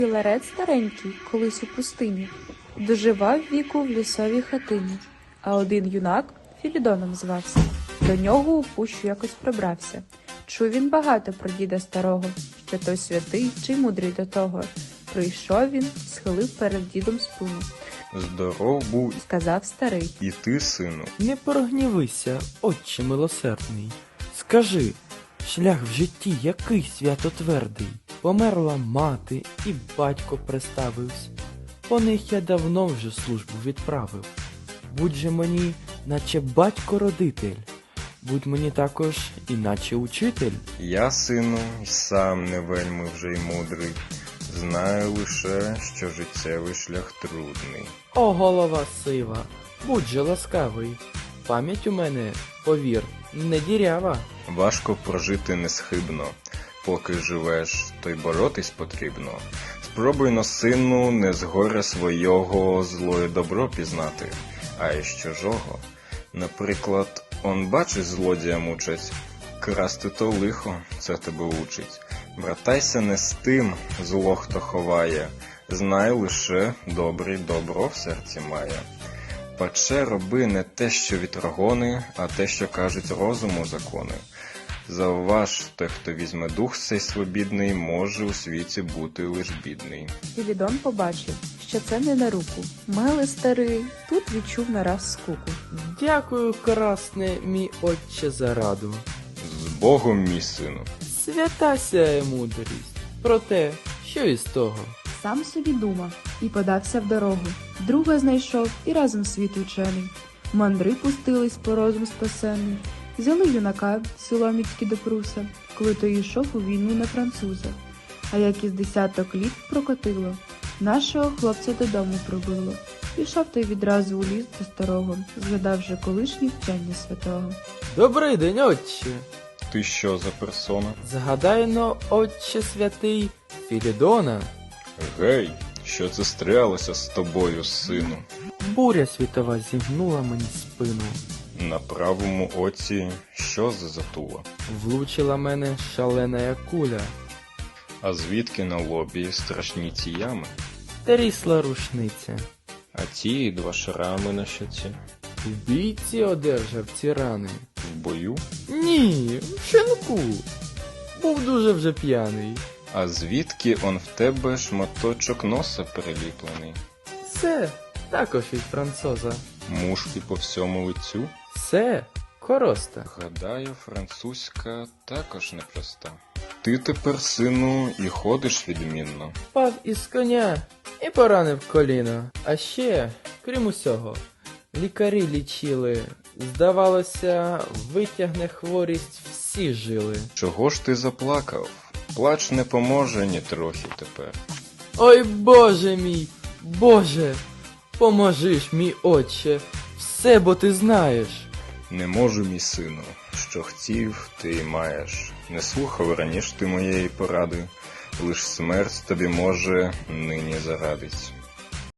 Ларет старенький, колись у пустині, доживав віку в лісовій хатині, а один юнак Філідоном звався. До нього у пущу якось прибрався. Чув він багато про діда старого, що той святий чи мудрий до того. Прийшов він, схилив перед дідом спину. Здоров був, Сказав старий: і ти, сину. Не прогнівися, отче милосердний. Скажи, шлях в житті який святотвердий? Померла мати, і батько приставився. По них я давно вже службу відправив. Будь же мені, наче батько-родитель. Будь мені також, іначе учитель. Я, сину, й сам не вельми вже й мудрий. Знаю лише, що життєвий шлях трудний. О, голова сива, будь же ласкавий. Пам'ять у мене, повір, не дірява. Важко прожити несхибно. Поки живеш, то й боротись потрібно. Спробуй, но, сину, не з горя свого зло і добро пізнати, а й з чужого. Наприклад, он бачиш, злодія мучать, красти то лихо, це тебе учить. Братайся не з тим, зло хто ховає, знай лише, добрий добро в серці має. Паче роби не те, що вітрогони, а те, що кажуть розуму закони. Завваж, той, хто візьме дух цей свобідний, може у світі бути лиш бідний. Філідон побачив, що це не на руку. Милий старий тут відчув нараз скуку. Дякую, красне, мій отче, за раду. З Богом, мій сину. Свята сяє мудрість. Проте, що із того? Сам собі думав і подався в дорогу. Друга знайшов і разом світ учений. Мандри пустились по розум спасенний. Взяли юнака силоміцькі до пруса, коли той йшов у війну на француза. А як із 10 літ прокотило, нашого хлопця додому пробило. Пішов той відразу у ліс до старого, згадавши колишні вчення святого. Добрий день, отче. Ти що за персона? Згадайно, отче святий, Філідона. Гей, що це стрялося з тобою, сину? Буря світова зігнула мені спину. На правому оці що за затула? Влучила мене шалена куля. А звідки на лобі страшні ці ями? Трісла рушниця. А ті 2 шрами на щоці? В бійці одержав ці рани. В бою? Ні, в шинку. Був дуже вже п'яний. А звідки он в тебе шматочок носа переліплений? Це також від француза. Мушки по всьому лицю? Це короста. Гадаю, французька також непроста. Ти тепер, сину, і ходиш відмінно. Впав із коня і поранив коліно. А ще, крім усього, лікарі лічили. Здавалося, витягне хворість всі жили. Чого ж ти заплакав? Плач не поможе ні трохи тепер. Ой, Боже мій, Боже, поможи ж, мій отче, все, бо ти знаєш. Не можу, мій сину, що хотів, ти й маєш. Не слухав раніше ти моєї поради, лиш смерть тобі може нині зарадить.